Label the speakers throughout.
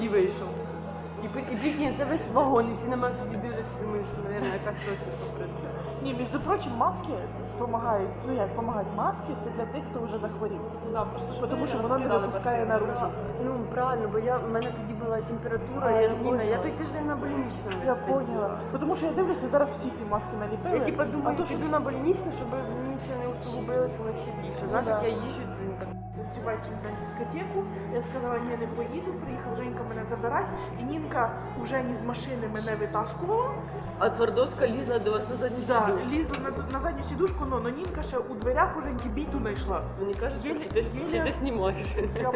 Speaker 1: тоді вийшов. І прикинь, це весь вагон, і всі на мене тоді дивляться, думають, що, мабуть, якась точно працює.
Speaker 2: Ні, між прочим, маски допомагають. Ну як допомагають маски, це для тих, хто вже захворів.
Speaker 1: Да, просто що
Speaker 2: Тому що воно не випускає наружу.
Speaker 1: Ну правильно, бо в мене тоді була температура, я Ніна, я той тиждень на больничному.
Speaker 2: Я поняла. Тому що я дивлюся, зараз всі ці маски наліпили.
Speaker 1: Я типа думаю,
Speaker 2: а то,
Speaker 1: піду на больничне, щоб мені ще не усугубилось, воно ще більше. Знаєш, як я їжджу, так.
Speaker 2: Дівчатки на дискотеку, я сказала, ні, не поїду, приїхав Женька мене забирати, і Нінка вже ні з машини мене витаскувала.
Speaker 1: А Твардовська лізла до вас на задню
Speaker 2: Да,
Speaker 1: сидушку.
Speaker 2: лізла на задню сідушку, но Нінка ще у дверях уже біту знайшла.
Speaker 1: Мені кажуть,
Speaker 2: Єлі-
Speaker 1: що ти
Speaker 2: єлі-
Speaker 1: знімаєш.
Speaker 2: Я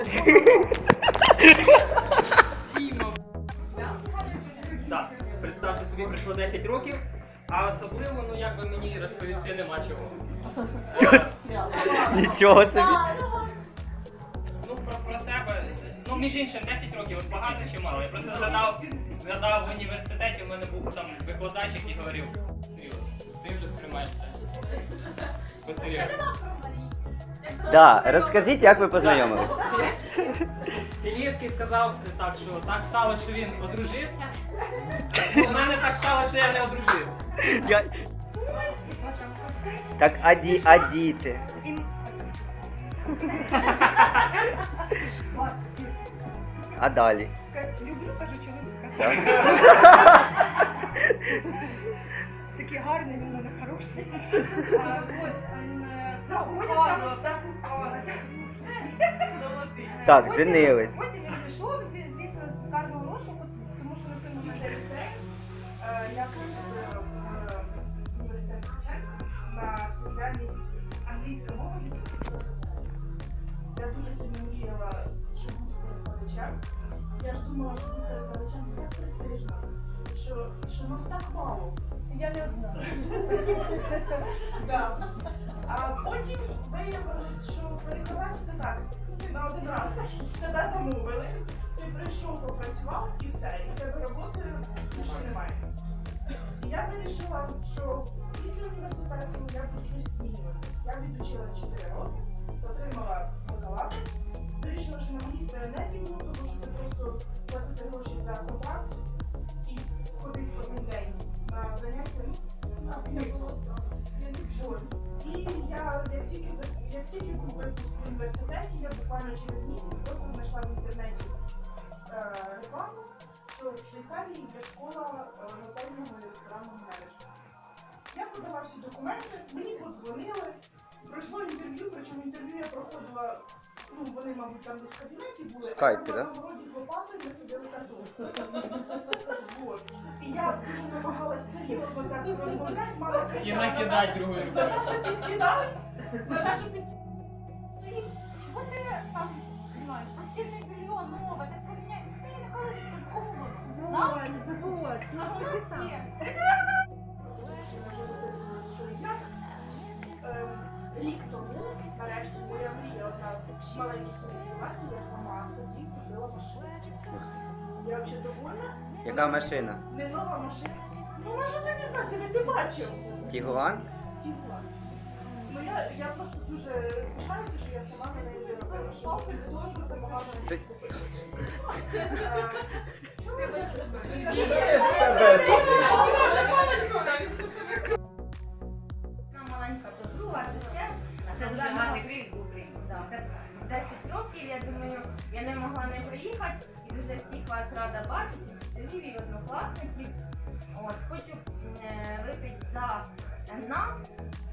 Speaker 3: Так, представте собі, пройшло 10 років, а особливо, ну як би мені розповісти нема чого.
Speaker 4: Нічого собі.
Speaker 3: Ну, про себе, ну, між іншим, 10 років, от багато чи мало. Я просто згадав в університеті, у мене був там викладач, який говорив, серйозно, ти вже сприймаєшся. Посерйозно.
Speaker 4: Да, розкажіть, як ви познайомились.
Speaker 3: Іліївський сказав так, що так стало, що він одружився. У мене так стало, що я не одружився.
Speaker 4: Я... Так, а діти? А далі?
Speaker 5: Люблю, кажу, чоловіка.
Speaker 4: Так.
Speaker 5: Такий гарний, він у мене хороший.
Speaker 4: Так, женились.
Speaker 5: Потім він пішов, звісно, з карного розшуку, тому що на той момент я поступила в університет Шевченка на спеціальність англійська мова. Я дуже сильно мріяла, що буду перекладачем. Я ж думала, що бути перекладачем це так престижно, що нас так мало. Я не одна. Да. А потім виявилось, що перекладач це так, ти на один раз тебе замовили, ти прийшов, попрацював і все, і в тебе роботи більше немає. І я вирішила, що після університету я буду щось змінювати. Я відучила 4 роки, отримала бакалавр, вирішила, що на магістра не піду, тому що це просто платити гроші за контракт і ходити кожен день на заняття, на смисл. І як тільки був випуск в університеті, я буквально через місяць просто знайшла в інтернеті рекламу, що в Швейцарії є школа готельного і ресторанного менеджменту. Я подала всі документи, мені подзвонили, пройшло інтерв'ю, причому інтерв'ю я проходила, ну вони, мабуть, там десь в кабінеті були,
Speaker 4: В скайпі,
Speaker 2: а
Speaker 4: да?
Speaker 2: там на городі з лопатою ми сиділи картошку. Вот. І я дуже намагалась серйозно так розмовляти, мама
Speaker 3: І
Speaker 2: кричала,
Speaker 3: накидать другою рукою.
Speaker 2: Наташа підкидала, Наташа підкидала.
Speaker 5: Чого ти там, знімаєш, постільне белье нове, так поміняй. Ти не кажеш, кажу, кому воно? Вот. Ну ж у нас є.
Speaker 2: Рік тому, нарешті, моя мрія одна з маленьких працювалася, я сама собі купила машину. Я взагалі довольна.
Speaker 4: Яка машина?
Speaker 2: Не нова машина. Ну, вона ж ти не знаю, ти бачив.
Speaker 4: Тігуан?
Speaker 2: Тігуан. Ну, я просто дуже пишаюся, що я сама на неї заробила. Шопи, зложу, допомагала мені
Speaker 4: Ти-
Speaker 2: купити.
Speaker 6: Маленька подруга, дочка, а це дуже гарний крик був. 10 років, я думаю, я не могла не приїхати і дуже всіх вас рада бачити, вчителів і однокласників. От, хочу випити за нас,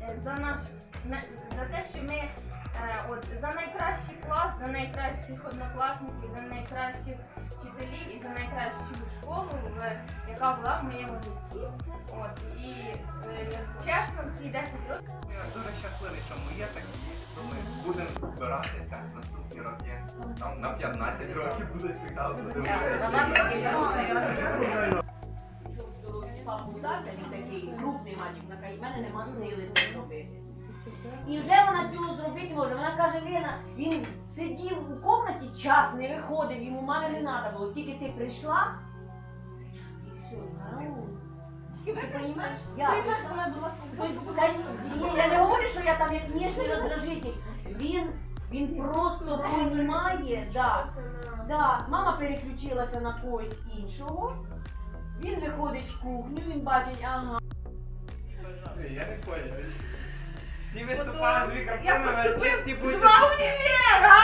Speaker 6: за те, що ми за найкращий клас, за найкращих однокласників, за найкращих вчителів і за найкращу школу, яка була в моєму житті. От, і чесно, всі 10 років.
Speaker 7: Я дуже щасливий, що ми є такі, що ми будемо збиратися наступні роки. Там на 15 років буде цікаво подивитися.
Speaker 8: Папу вдався, він такий крупний мальчик, вона каже, в мене нема сили це зробити. І вже вона цього зробити може. Вона каже, Лена, він сидів у кімнаті час, не виходив, йому мами не треба було. Тільки ти прийшла, і все, гарно. Ти розумієш? Я прийшла. Я не говорю, що я там як ніжний роздражитель. Він Він просто понімає, да. Да, мама переключилася на когось іншого. Він виходить в кухню, він бачить, ага.
Speaker 3: Я не понял. Всі виступали з
Speaker 1: Я
Speaker 3: мікрофонами, а
Speaker 1: поступив
Speaker 3: чисті
Speaker 1: в
Speaker 3: будуть.
Speaker 1: 2 універа!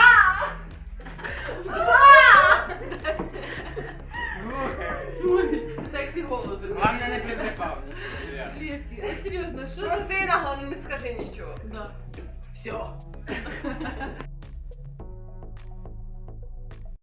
Speaker 3: Слухай,
Speaker 1: Сексі голос.
Speaker 3: Главне не приприпав.
Speaker 1: Лєський, а серйозно, що за сина, головне не скажи нічого. Да. Все.